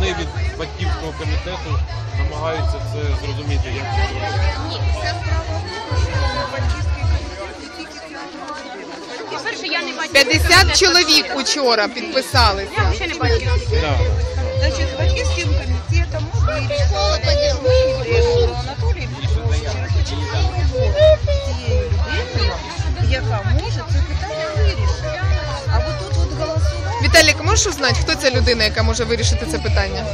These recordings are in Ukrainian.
вони від батьківського комітету намагаються це зрозуміти, як це зробити. Ні, це справа в тому, що батьківський комітет тільки фінансує. По-перше, я не бачу. 50 чоловік учора підписалися. Я ще не бачу. Да. Значить, з батьківським комітетом ми вирішили Анатолій Петрович через початкову роботу з цією людиною, яка може це питання вирішити. А от тут от голосувати... Віталік, можеш узнати, хто ця людина, яка може вирішити це питання?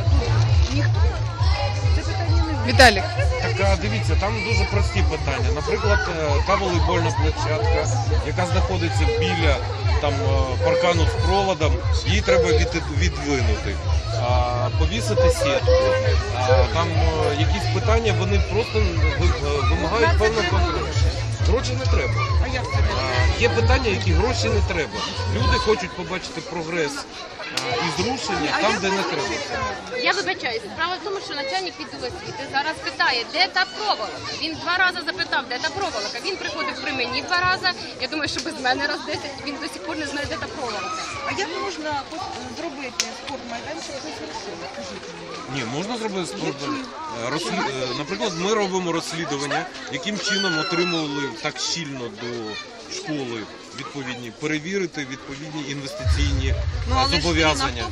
Ніхто це питання не вирішить. Віталік. Так, дивіться, там дуже прості питання. Наприклад, та волейбольна площадка, яка знаходиться біля там паркану з проводом, її треба відвинути, повісити сітку. Там якісь питання, вони просто вимагають певного контролю. Гроші не треба. А як це не Є питання, які гроші не треба. Люди хочуть побачити прогрес і зрушення там, де не треба. Я вибачаюсь. Справа в тому, що начальник відділу освіти зараз питає, де та проволока. Він 2 рази запитав, де та проволока. Він приходив при мені 2 рази. Я думаю, що без мене раз 10. Він до сих пор не знає, де та проволока. А як можна зробити спортмайданчик без грошей? Скажіть мені. Ні, можна зробити спорт. Наприклад, ми робимо розслідування, яким чином отримували так щільно до школи відповідні, перевірити відповідні інвестиційні зобов'язання.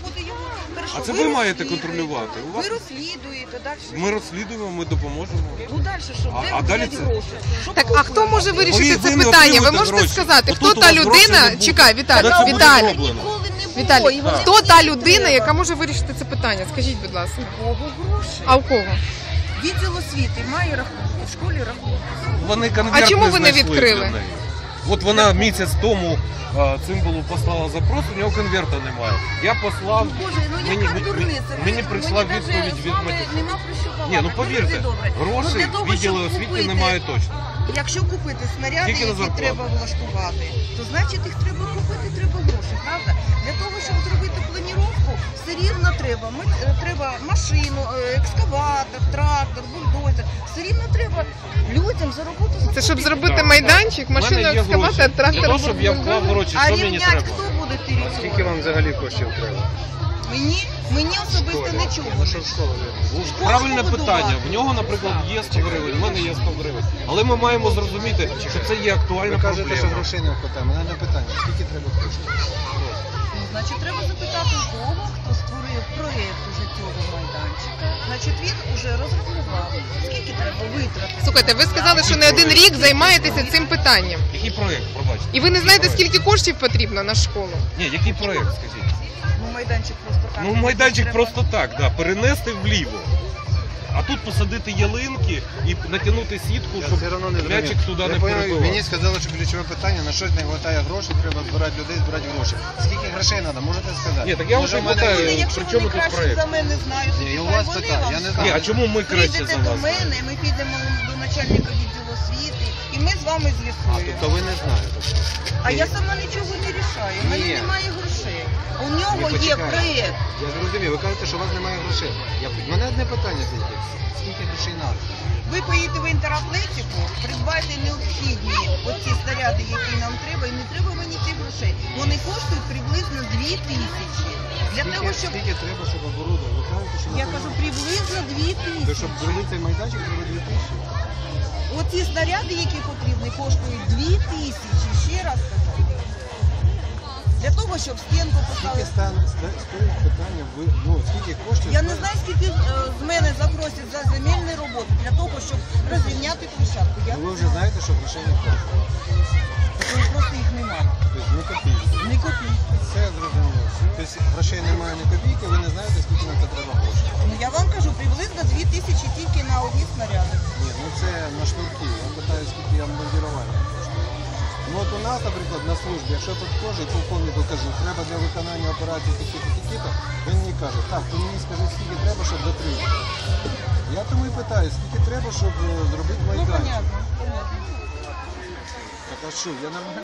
А це ви маєте контролювати. Ви розслідуєте, далі. Ми розслідуємо, ми допоможемо. Ну далі що? А далі це... Так, а хто може вирішити це Ви не питання? Ви отримуєте можете гроші. сказати, Отут хто у та вас грошей не людина? буде. Чекай, Коли це Віталій, буде Віталій. зроблено. Віталій, хто та людина, яка може вирішити це питання? Скажіть, будь ласка. Кого гроші? А у кого? Відділ освіти має рахунки, в школі рахунки. Вони конверт А чому ви не знайшли відкрили? для неї. От вона місяць тому Цимбалу послала запрос, у нього конверта немає. Я послав, Боже, ну яка дурниця. мені прийшла Мені відповідь навіть з від вами матері. нема про що балакати. Ні, ну повірте, Дуже добре. Ну, грошей для того, відділу щоб освіти купити- немає точно. Якщо купити снаряди, Тільки на які зарплату. треба влаштувати, то значить їх треба купити, треба гроші, правда? Для того, щоб зробити планіровку, все рівно треба. Треба машину, екскаватор, трактор, бульдозер. Все рівно треба людям за роботу заплатити. Це щоб зробити Так, майданчик, У мене машину, є екскаватор, гроші. Для трактор, того, щоб я вклав бульдозер. гроші, А що мені рівняти треба? хто буде територію? Скільки вам взагалі коштів треба? Мені особисто нічого. Ну що в школу? Правильне побудувати. питання. В нього, наприклад, є 100 гривень, в мене є 100 гривень. Але ми маємо зрозуміти, що це є актуальна Ви кажете, що проблема. грошей не вистачає. Мене не питання, скільки треба коштів? Ну, значить, треба запитати у того, хто створив проєкт уже цього майданчика. Значить, він уже розрахував, скільки треба витратити. Слухайте, ви сказали, що не один рік займаєтеся цим питанням. Який проєкт, пробачте? І ви не знаєте, скільки коштів потрібно на школу? Ні, який проєкт, скажіть? Ну, майданчик просто так. Ну, майданчик Треба- просто так, да, перенести вліво. А тут посадити ялинки і натягнути сітку, Я щоб все одно не м'ячик зрозумів. туди Я не поняв, перебивав. Мені сказали, що ключове питання, на щось не вистачає грошей, треба збирати людей, збирати гроші. Скільки грошей треба, можете сказати? Ні, так я Може, вже в мене питаю. є- Вони, якщо при чому вони тут краще проєкт? за мене знають, Ні, і у хай вас вони питання, вам я не скажуть. Ні, а чому ми краще Прийдете за до вас? мене, ми підемо до начальника відділу освіти, і ми з вами А, з'ясуємо. тобто ви не знаєте. А я сама нічого не рішаю, у мене Ні. немає грошей. У нього Ні, є почекайте. проєкт. Я зрозумів, ви кажете, що у вас немає грошей. Мене одне питання тільки. Скільки грошей треба? Ви поїдете в інтератлетику, придбайте необхідні оці снаряди, які нам треба, і не треба мені цих грошей. Вони коштують приблизно 2000. Для того, щоб... Скільки треба, щоб оборудовувати? Ви кажете, що Я кажу, приблизно То, 2000. щоб зробити цей майданчик, треба 2000. Оці снаряди, які потрібні, коштують 2000. Ще раз кажу. Для того, щоб стінку Скільки поставити. стоїть питання, скільки коштів? Я не знаю, скільки з мене запросять за земельні роботи для того, щоб розрівняти площадку. Я Ви не вже знаю. знаєте, що грошей не коштує. Тому просто їх немає. Тобто не копійки. Не копійки. Все зрозуміло. Тобто грошей немає ні копійки, ви не знаєте, скільки на це треба коштів. Ну я вам кажу, приблизно 2000 тільки на одні снаряди. Ні, ну це на шнурки. Я питаю, скільки я бомбардування коштує. Ну от у нас, наприклад, на службі, якщо підходжу і полковнику кажу, треба для виконання операції такі-то, він мені каже, так, ти мені скажи, скільки треба, щоб дотримати. Я тому і питаю, скільки треба, щоб зробити Ну, майданчик. понятно, понятно. Так а що, я нормально.